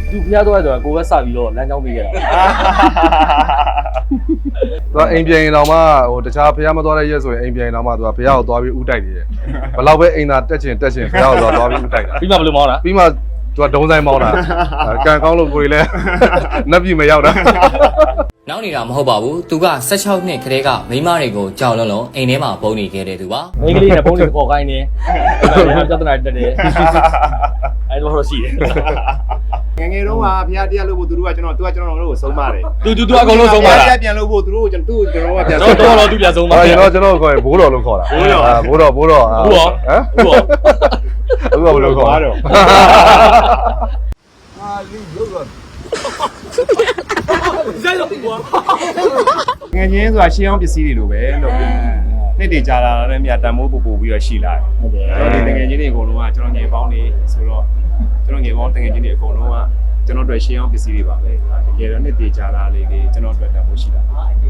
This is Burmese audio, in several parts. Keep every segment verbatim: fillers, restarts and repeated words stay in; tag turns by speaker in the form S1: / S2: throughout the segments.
S1: သူဖျားသွားတယ်ဆိုတာကိုပဲစပြီးတော့လမ်းကြောင်းပေးခဲ့တာ
S2: သူကအိမ်ပြန်ရင်တော့မှဟိုတခြားဖျားမသွားတဲ့ရက်ဆိုရင်အိမ်ပြန်ရင်တော့မှသူကဖျားကိုသွားပြီးဥတိုက်နေတယ်ဘယ်လောက်ပဲအိမ်သာတက်ချင်တက်ချင်ဖျားကိုသွားပြီးဥတိုက်တာ
S1: ပြီးမှဘယ်လိုမောင်းတာ
S2: ပြီးမှသူကဒုံဆိုင်မောင်းတာကန်ကောင်းလို့ကိုယ်လည်းနှက်ပြီမရောက်တာ
S3: နောက်နေတာမဟုတ်ပါဘူးသူက၁၆နှစ်ခရဲကမိန်းမတွေကိုကြောက်လွန်းလွန်းအိမ်ထဲမှာပုံနေခဲ့တဲ့သူပါ
S1: မိန်းကလေးနဲ့ပုံနေခေါ်ခိုင်းနေပြဿနာတက်တယ်အဲ့လိုတော့ရှိတယ်
S4: ငငယ်တော့ကဖျားတရားလို့ဖို့သူတို့ကကျွန်တော်သူကကျွန်တော်တို့ကိုဆုံးပါတယ်
S1: သူသူသူအကုန်လုံးဆုံးပါလား
S4: ပြန်လို့ဖို့သူတို့ကျွန်တော်ကျွန်တော်ကပြန်
S1: ဆုံးတော့တော့သူပြန်ဆုံးပါ
S2: ကျွန်တော်ကျွန်တော်ခေါ်ဘိုးတော်လို့ခေါ်တာဘိုးတော်ဘိုးတော်ဘိုးတော်ဟမ်ဘိုးတော်အခုကဘယ်လိုခေါ်တော့
S4: အာလီရုပ်တော့ငငယ်ဆိုတာရှင်းအောင်ပစ္စည်းတွေလိုပဲလို့နှစ်တည်ကြလာတဲ့မြတ်တန်မိုးပူပူပြီးတော့ရှိလာတယ်ဟုတ်တယ်ကျွန်တော်ငယ်ချင်းတွေအကုန်လုံးကကျွန်တော်ငယ်ပေါင်းနေဆိုတော့ကျွန်တော်ငယ်ပေါင်းတငယ်ချင်းတွေအကုန်လုံးကကျွန်တော်တို့ရှင်းအောင်ပစ္စည်းတွေပါပဲတကယ်တော့နှစ်တည်ကြလာလေးလေးကျွန်တော်တို့တန်မိုးရှိလာ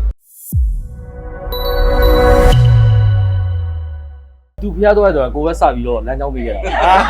S1: သူဖျားသွားတယ်ဆိုတာကိုပဲစပြီးတော့လမ်းကြောင်းပေးခဲ့တာ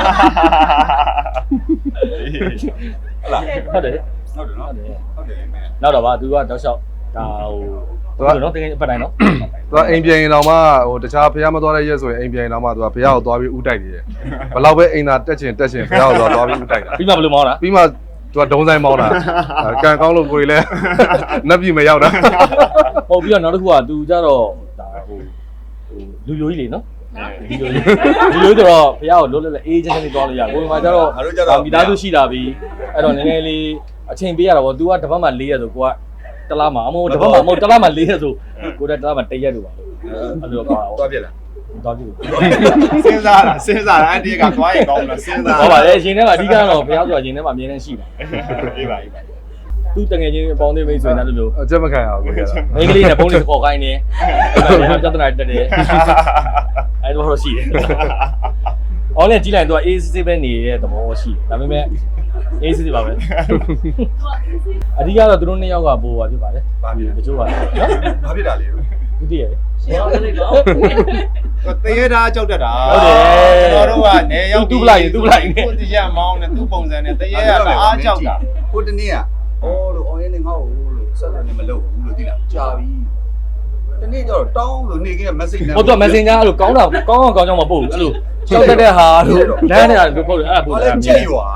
S1: ဟုတ်တယ်ဟုတ်တယ်နော်ဟုတ်တယ်ဟုတ်တယ်နောက်တော့ဗာသူကတောက်လျှောက်ဒါဟိုသူကနော်တကယ်အပတ်တိုင်းနော်
S2: သူကအိမ်ပြန်ရင်တော့မှဟိုတခြားဖျားမသွားတဲ့ရက်ဆိုရင်အိမ်ပြန်ရင်တော့မှသူကဖျားကိုသွားပြီးဥတိုက်နေတယ်ဘယ်လောက်ပဲအိမ်သာတက်ချင်တက်ချင်ဖျားကိုသွားပြီးဥတိုက်တာ
S1: ပြီးမှဘယ်လိုမောင်းတာ
S2: ပြီးမှသူကဒုံဆိုင်မောင်းတာကန်ကောင်းလို့ကိုယ်လည်းနှက်ပြီမရောက်တာ
S1: ဟုတ်ပြီးတော့နောက်တစ်ခုကသူကြတော့ဒါဟိုဟိုလူယိုကြီးလေနော်ဒီလိုဒီလိုဆိုတော့ဖះကိုလွတ်လွတ်လေးအေးချမ်းချမ်းလေးသွားလို့ရကိုယ်မှာကျတော့မိသားစုရှိတာပြီအဲ့တော့နည်းနည်းလေးအချိန်ပေးရတာပေါ့ तू ကတစ်ပတ်မှ၄ရက်ဆိုကိုကတလားမှာအမို့တစ်ပတ်မှမဟုတ်တလားမှ၄ရက်ဆိုကိုတက်တလားမှ၁ရက်လို့ပါလို့အဲ့လိုပါ
S4: သွားပြက်လား
S1: သွားပြက်
S4: စဉ်းစားတာစဉ်းစားတာအဲ့ဒီကသွားရင်ကောင်းလားစဉ်းစား
S1: ဟုတ်ပါလေအချိန်ထဲမှာအဓိကတော့ဖះဆိုတာအချိန်ထဲမှာအမြဲတမ်းရှိတာ
S4: အေးပါအေးပါ
S1: သူတငယ်ချင်းအပေါင်းသေးမိတ်ဆွေနဲ့လိုမျိုး
S2: အချက်မခံရဘူးခင်ဗျာ
S1: မိန်းကလေးနဲ့ပုံလေးခေါ်ခိုင်းနေပြဿနာတက်တယ်အဲ့လိုတော့ရှိတယ်။အော်လည်းကြီးလိုက်တော့ A C C ပဲနေတဲ့သဘောရှိတယ်။ဒါပေမဲ့ A C C ပါပဲ။အဓိကတော့သူတို့နှစ်ယောက်ကပိုးပါဖြစ်ပါတယ်။ဘာဖြစ်လဲတချို့ကနော်။
S4: ဘာဖြစ်တာလဲ
S1: ။သူတည်ရဲ့။ရှင်းအောင်လည်းတော့
S4: တရေသားကြောက်တတ်တာ
S1: ဟုတ်တယ်
S4: ကျွန်တော်တို့ကနေရောက်
S1: သူ့ပလိုက်သူ့ပလိုက်
S4: ကိုတရမောင်းနဲ့သူ့ပုံစံနဲ့တရေကအားကြောက်တာ
S5: ကိုတနေ့ကအော်လို့အော်ရင်းနေငါ့ကိုလို့ဆက်တယ်မလုပ်ဘူးလို့သိလားကြာပြီတနေ့ကျတော့တောင်းလို့နေက message နဲ့
S1: ဟုတ်တော့ messenger အဲ့လိုကောင်းတာကောင်းအောင်ကောင်းကြောင်းမပို့ဘူးအဲ့လိုကြောက်တတ်တဲ့ဟာလို့လမ်းနေတာလို့ပို့တယ်အဲ့ဒါပို့တယ်
S5: ကြည့်ရွာ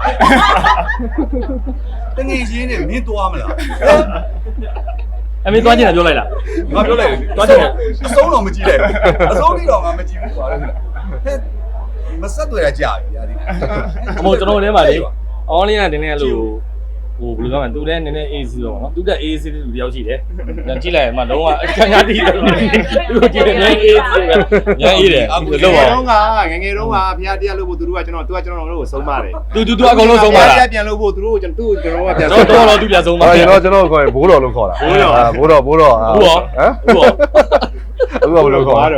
S5: တနေ့ချင်းနေမင်းသွားမလား
S1: အမေသွားကြည့်တယ်ပြောလိုက်လား
S5: ငါပြောလိုက်သွားကြည့်တယ်အဆုံးတော့မကြည့်လိုက်အဆုံးတိတော့ငါမကြည့်ဘူးပါလေဟဲ့မဆက်တွေ့ရကြာပြီညာဒီ
S1: အမို့ကျွန်တော်ထဲမှာလေ online ကတင်းနေလို့ဟိုဘယ်လိုပြောမလဲသူလည်းနည်းနည်း A C တော့ဗောနော်သူတက် A C လူတယောက်ရှိတယ်ပြန်ကြည့်လိုက်မှလုံးဝအချမ်းသာတည်တယ်သူကြည့်တယ်နည်း A C ပဲညာအေးတယ်
S4: လို့ပါတော့ကငငယ်တော့ကဖျားတရားလို့ဖို့သူတို့ကကျွန်တော်သူကကျွန်တော်တို့ကိုဆုံးပါတယ်
S1: သူသူသူအကုန်လုံးဆုံးပါလား
S4: ပြန်လို့ဖို့သူတို့ကျွန်တော်သူ့ကျွန်တော်ကပြန်
S1: ဆုံးတော့တော့သူပြန်ဆုံးပါ
S2: ကျွန်တော်ကျွန်တော်ခေါ်ဘိုးတော်လို့ခေါ်တာဘိုးတော်ဘိုးတော်
S1: ဘိုးတော်
S2: ဟမ်အခုကဘယ်လိုခေါ်တော့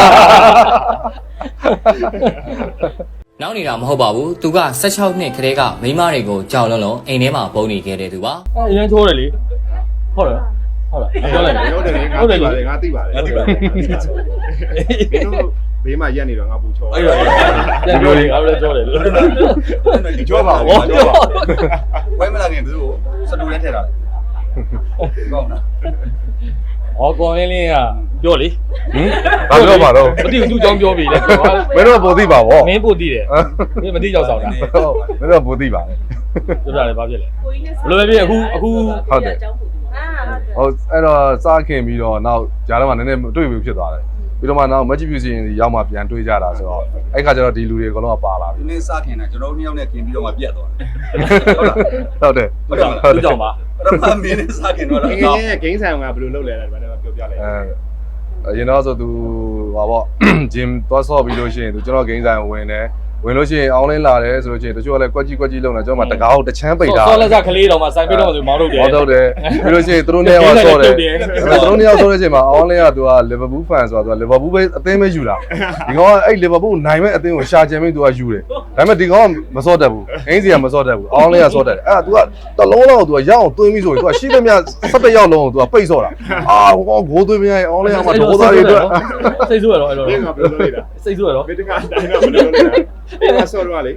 S3: နောက်နေတာမဟုတ်ပါဘူးသူက၁၆နှစ်ခရဲကမိန်းမတွေကိုကြောက်လွန်းလွန်းအိမ်ထဲမှာပုံနေခဲ့တဲ့သူပါ
S1: အဲအရင်ချိုးတယ်လေဟုတ်လားဟုတ်လားပြောလိုက်
S4: ဟုတ်တယ်ငါသိပါတယ်ငါသိပါတယ်သိပါတယ်မင်းတို့ဘေးမှာရက်နေတော့ငါပူချော
S1: အဲ့တော့ပြန်ပြောလေငါလည်းကြောတယ်လို့
S5: ဒီကြောပါဘောကြောပါဝဲမလာခင်သူတို့စတူနဲ့ထည့်တာလေကောင်းလား
S1: ဟောကောင်းလင်းလင်းကပြောလေ
S2: ဟင်ဘာပြောပါတော့
S1: မသိဘူးသူ့ကြောင်းပြောပြီလေ
S2: မင်းတို့ပိုသိပါဗော
S1: မင်းပိုသိတယ်မင်းမသိကြောက်ဆောင်တာ
S2: မင်းတို့ပိုသိပါတယ်
S1: ပြောတာလေဘာဖြစ်လဲဘယ်လိုပဲဖြစ်အခုအခု
S2: ဟုတ်တယ်ဟုတ်အဲ့တော့စားခင်ပြီးတော့နောက်ဂျားတော့မှနည်းနည်းတွေ့ပြီဖြစ်သွားတယ်ပြီးတော့မှနောက် match view စီရင်ရောက်မှပြန်တွေးကြတာဆိုတော့အဲ့ခါကျတော့ဒီလူတွေအကုန်လုံးကပါလာပြီ
S5: ဒီနေ့စခင်တာကျွန်တော်တို့နှစ်ယောက်နဲ့ခင်ပြီးတော့မှပြတ်သွား
S2: တယ်ဟုတ်တယ်
S1: ဟုတ်တယ်သူကြောင့်ပါ
S5: ပထမမင်းနဲ့စခင်တော့
S4: ငယ်ငယ်ဂိမ်းဆိုင်ကဘယ်လိုလုပ်လဲလဲဒီမှာပြောပြလိုက်
S2: အဲရင်တော့ဆိုသူဟာပေါ့ gym သွားဆော့ပြီးလို့ရှိရင်သူကျွန်တော်ဂိမ်းဆိုင်ဝင်တယ်ဝင်လို့ရှိရင်အောင်းလင်းလာတယ်ဆိုလို့ရှိရင်တချို့ကလည်းကွက်ကြီးကွက်ကြီးလုံနေကျွန်တော်မှတကားကိုတချမ်းပိတ်တာ
S1: ဆော့လက်စကလေးတော်မှစိုင်းပိတ်တော့ဆိုမောင်းထုတ်တယ်
S2: မောင်းထုတ်တယ်ပြီးလို့ရှိရင်သူတို့နှစ်ယောက်ဆော့တယ်သူတို့နှစ်ယောက်ဆော့တဲ့အချိန်မှာအောင်းလင်းကသူက Liverpool fan ဆိုတော့သူက Liverpool ပဲအသင်းပဲယူတာဒီကောင်ကအဲ့ Liverpool နိုင်မဲ့အသင်းကိုရှာချင်ပြီးသူကယူတယ်ဒါပေမဲ့ဒီကောင်ကမဆော့တတ်ဘူးအင်းစီကမဆော့တတ်ဘူးအောင်းလင်းကဆော့တတ်တယ်အဲ့ဒါ तू ကတလုံးလောက် तू ကရအောင်သွင်းပြီးဆိုရင် तू ကရှိသမျှ၁၁ယောက်လုံးကို तू ကပိတ်ဆော့တာအာဟိုကောင်ဂိုးသွင်းမရရင်အောင်းလင်းကမှဒေါသတွေအတွက်
S1: စိတ်ဆိုးရတော့အဲ့လိုစိတ်ဆိုးရတော့
S4: ဘယ်တကအတိုင်းတော့ဘယ်လိုလဲအဲ့ဒါဆော့တော့လေ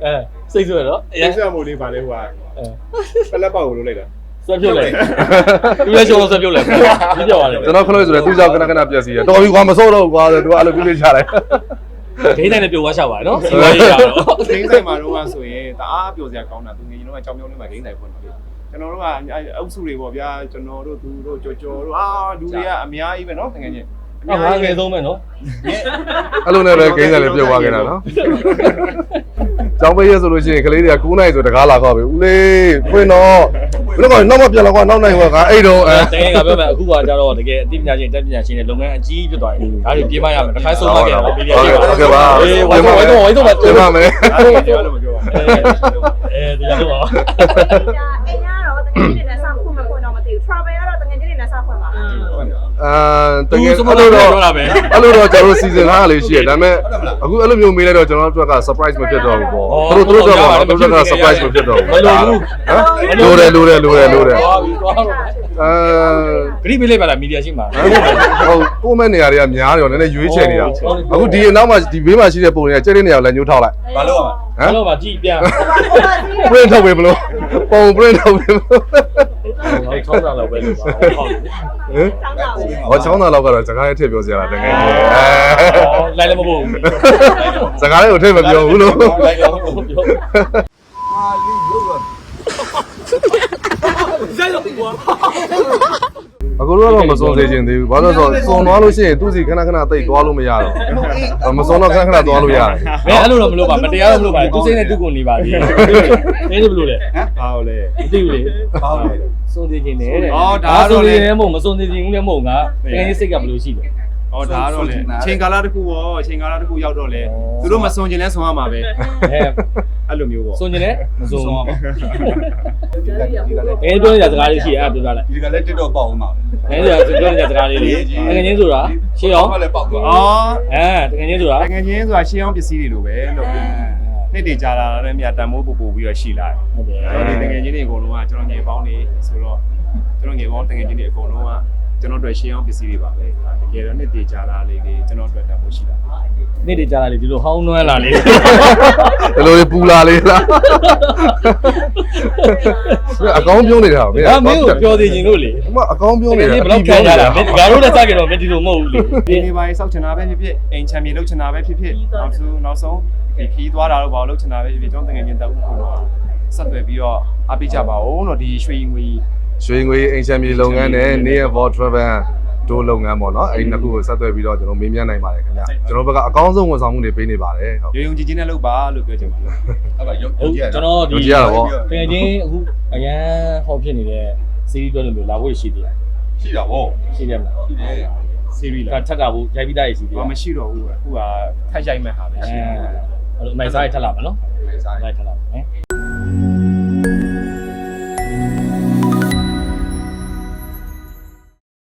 S1: စိတ်ဆွဲတော့
S4: ရစမို့လေးပါလေဟိုကပလက်ပေါက်ကိုလုပ်လိုက်တာ
S1: ဆွဲပြုတ်လိုက်သူလည်းရှုံးဆွဲပြုတ်လိုက်ပြီးပြောရတယ်
S2: ကျွန်တော်ခလို့ဆိုတော့သူ့ကြောင့်ခဏခဏပြက်စီရတော်ပြီကွာမစောတော့ကွာဆိုသူကအဲ့လိုပြပြချလိုက်
S1: ဂိမ်းတိုင်းနဲ့ပြုတ်သွားချပါရနော်စီဝါရေးရတော့
S4: ဂိမ်းဆိုင်မှာတော့ဆိုရင်တအားပျော်စရာကောင်းတာသူငယ်ချင်းတို့ကကြောင်ကြောင်လေးမှာဂိမ်းဆိုင်ဖွင့်တယ်ကျွန်တော်တို့ကအုပ်စုတွေပေါ့ဗျာကျွန်တော်တို့သူတို့ကြော်ကြော်တို့အာလူတွေကအများကြီးပဲနော်ငယ်ချင်း
S1: အများငယ်ဆုံးပဲနော်
S2: အဲ့လိုနဲ့ပဲဂိမ်းဆိုင်လေးပြုတ်သွားခဲ့တာနော်ကျောင်းပေးရဆိုလို့ရှိရင်ကလေးတွေက၉နိုင်ဆိုတကားလာခေါ်ပြီဦးလေးဖွင့်တော့ဘယ်တော့နောက်မပြန်တော့ကွာနောက်နိုင်ကွာကအဲ့တော့အဲ
S1: တကယ်ကပြောမယ်အခုကကြတော့တကယ်အသိပညာရှင်တက်ပညာရှင်တွေလုပ်ငန်းအကြီးဖြစ်သွားတယ်ဒါတွေပြေးမရမယ်တစ်ခါဆုံးမခဲ့တော့ပြေးပြရပါအေးဝိုင်းဝိုင်းဝိုင်းတော့ဝိုင်းတော့
S2: ပြန်ပါမယ်
S4: အဲ့ဒါပြောလို့မပြောပါဘူး
S1: အဲတရားလို့ပါ
S6: အိမ်ကတော့တကယ်ကြီးနေဆောက်ခွင့်မခွင့်တော့မသိဘူး travel ကတော့တကယ်ကြီးနေဆောက်ခွင့်ပါ
S2: အာတကယ်အဲ့လိုတော့အဲ့လိုတော့ကျွန်တော်စီစဉ်ထားလေးရှိရဒါပေမဲ့အခုအဲ့လိုမျိုးမေးလိုက်တော့ကျွန်တော်တို့က surprise မဖြစ်တော့ဘူးပေါ့သူတို့တို့တော့သူတို့က surprise မဖြစ်တော့ဘူး
S1: မလိုဘူး
S2: ဟမ်လိုတယ်လိုတယ်လိုတယ်လိုတယ်
S1: သွားပြီသွားတော့
S2: အာ
S1: ဂရိပေးလိုက်ပါလားမီဒီယာရှိမှာ
S2: ဟုတ်ကိုမဲ့နေရာတွေကများတယ်ရောနည်းနည်းရွေးချယ်နေတာအခုဒီအနောက်မှာဒီဘေးမှာရှိတဲ့ပုံတွေကကျဲတဲ့နေရာကိုလည်းညှိုးထောက်လိုက်
S5: ဘာလို့อ่ะ
S1: ဟမ်တော့ပါကြည့်ပြန်
S2: print ထုတ်ပေးမလို့ပုံ print ထုတ်ပေးမလို့
S1: ဟောချောင်းတာလောက်ပဲလို့ပါဟုတ်ဟုတ်
S2: ဟမ်ဟောချောင်းသားလောက်ကတော့စကားရဲ့ထည့်ပြောစရာလားတကယ်ကြီးအဲ
S1: လိုက်လည်းမပို့ဘူး
S2: စကားလေးကိုထည့်မပြောဘူးလို့
S1: လိုက်လည်းမပို့ဘူး
S5: အာလီလို့က
S2: အခုတော့မစုံစေချင်သေးဘူးဘာလို့လဲဆိုတော့စုံသွားလို့ရှိရင်သူ့စီခဏခဏတိတ်သွားလို့မရတော့မစုံတော့ခဏခဏသွားလို့ရတယ်
S1: ဘယ်အဲ့လိုတော့မလုပ်ပါမတရားတော့မလုပ်ပါသူစိတ်နဲ့သူ့ကိုနေပါသေးတယ်နင်းဘယ်လိုလဲ
S4: ဘာလို့လဲ
S1: မသိဘူးလေ
S5: ဘာလို့လဲ
S1: စုံသေးခြင်းနဲ့တဲ့
S4: အော်ဒါတော့လေ
S1: စုံသေးခြင်းမဟုတ်မစုံသေးခြင်းလည်းမဟုတ်ငါတကယ်ကြီးစိတ်ကဘယ်လိုရှိလဲ
S4: ဟောဒါတော့လေချိန်ကာလတစ်ခုရောချိန်ကာလတစ်ခုရောက်တော့လေသူတို့မစွန်ကျင်လဲဆွန်ရမှာပဲ
S1: အဲ
S4: အဲ့လိုမျိုးပေါ့
S1: စုံခြင်းနဲ့မစုံဘူး
S5: ဒီကလည်းဒီကလည်း
S1: အဲပြောနေတဲ့စကားလေးရှိအဲ့ပြောပြလိုက်
S5: ဒီကလည်း TikTok ပေါက်အောင်ပါ
S1: အဲပြောနေတဲ့စကားလေးလေးတကယ်ချင်းဆိုတာရှင်းအောင်
S5: ဘာလဲပေါက်သွား
S4: အော်
S1: အဲတကယ်ချင်းဆိုတာ
S4: တကယ်ချင်းဆိုတာရှင်းအောင်ပစ္စည်းတွေလိုပဲလို့နှစ်တည်ကြလာတဲ့မြတ်တန်မိုးပူပူပြီးတော့ရှိလာတယ်
S1: ဟုတ်တယ်
S4: အဲ့တော့ဒီတကယ်ချင်းတွေအကုန်လုံးကကျွန်တော်ငယ်ပေါင်းနေဆိုတော့ကျွန်တော်ငယ်ပေါင်းတကယ်ချင်းတွေအကုန်လုံးကကျွန်တော်တို့ရှင်းအောင်ပစ္စည်းတွေပါပဲတကယ်တော့နှစ်တည်ကြလာလေးလေးကျွန်တော်တို့တန်မိုးရှိလာ
S1: နေ့တည်းကြားလာလေဒီလိုဟောင်းနွမ်းလာလေ
S2: ဒီလိုပူလာလေးလားအကောင်းပြောနေတာဗျ
S1: ဒါမင်းကိုပြောသေးခြင်းလို့လေ
S2: အမအကောင်းပြောနေတာ
S1: ဘယ်လောက်ခံရတာမင်းငါတို့လည်းစကြတော့မင်းဒီလိုမဟုတ်ဘူးလေ
S4: ဒီနေပါရေးစောက်ချင်တာပဲဖြစ်ဖြစ်အိမ်ချမ်းမြေလုပ်ချင်တာပဲဖြစ်ဖြစ်နောက်ဆုံးနောက်ဆုံးဒီခီးသွားတာတော့ဘာလို့လုပ်ချင်တာပဲဖြစ်ဖြစ်ကျွန်တော်တကယ်ချင်းတောက်ခုတော့ဆက်သွယ်ပြီးတော့အားပေးကြပါဦးလို့ဒီရွှေငွေ
S2: ရွှေငွေအိမ်ချမ်းမြေလုပ်ငန်းနဲ့ Near for Travel တို့လုပ်ငန်းပေါ့နော်အဲ့ဒီနှစ်ခုကိုဆက်သွယ်ပြီးတော့ကျွန်တော်မေးမြန်းနိုင်ပါတယ်ခင်ဗျကျွန်တော်ဘက်ကအကောင်းဆုံးဝန်ဆောင်မှုတွေပေးနေပါတယ်ဟုတ်
S4: ရုံရုံကြည်ကြည်နဲ့လုပ်ပါလို့ပြောချင်ပါတယ်
S5: အဲ့ဒါရုပ်
S1: ဟုတ်
S5: ကြည့်ရ
S1: ကျွန်တော်ဒီ
S2: ကြည့်ရတာပေါ့
S1: တကယ်ချင်းအခုအရန်ဟောဖြစ်နေတဲ့စီးရီးတွဲလို့လာဖို့ရှိသေးတယ်
S5: ရှိတာဗော
S1: ရှိတယ်မလား
S5: ရှိတယ်
S4: စီရီ
S1: ဒါ
S4: လား
S1: ထပ်တာဘူးရိုက်ပြီးသားရရှိသေးတယ်
S4: ဘာမရှိတော့ဘူးအခုကထိုက်ရိုက်မဲ့ဟာပဲ
S1: အဲ
S4: ရှိတယ်
S1: အဲ့လိုနိုင်စားရထပ်လာမယ်နော်
S5: ဆိုင်
S1: လိုက်ထပ်လာမယ်